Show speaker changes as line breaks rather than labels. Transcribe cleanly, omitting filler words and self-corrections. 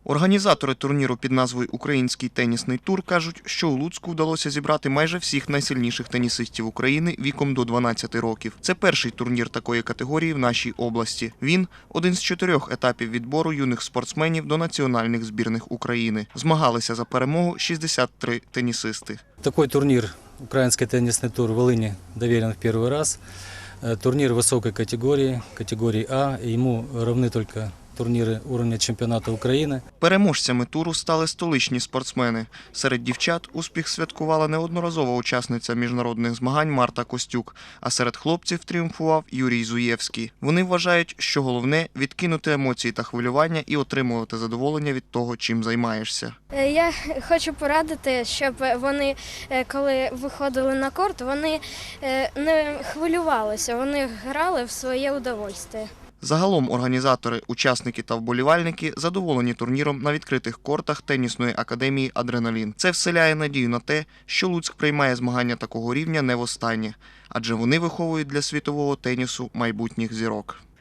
Організатори турніру під назвою «Український тенісний тур» кажуть, що у Луцьку вдалося зібрати майже всіх найсильніших тенісистів України віком до 12 років. Це перший турнір такої категорії в нашій області. Він – один з 4 етапів відбору юних спортсменів до національних збірних України. Змагалися за перемогу 63 тенісисти.
Такой турнир, «Украинский теннисный тур» в Волыни, доверен в первый раз. Турнир высокой категории А, и ему равны только турніри уровня чемпіонату України.
Переможцями туру стали столичні спортсмени. Серед дівчат успіх святкувала неодноразова учасниця міжнародних змагань Марта Костюк, а серед хлопців тріумфував Юрій Зуєвський. Вони вважають, що головне – відкинути емоції та хвилювання і отримувати задоволення від того, чим займаєшся.
Я хочу порадити, щоб вони, коли виходили на корт, вони не хвилювалися, вони грали в своє удовольствие.
Загалом організатори, учасники та вболівальники задоволені турніром на відкритих кортах тенісної академії «Адреналін». Це вселяє надію на те, що Луцьк приймає змагання такого рівня не востаннє, адже вони виховують для світового тенісу майбутніх зірок.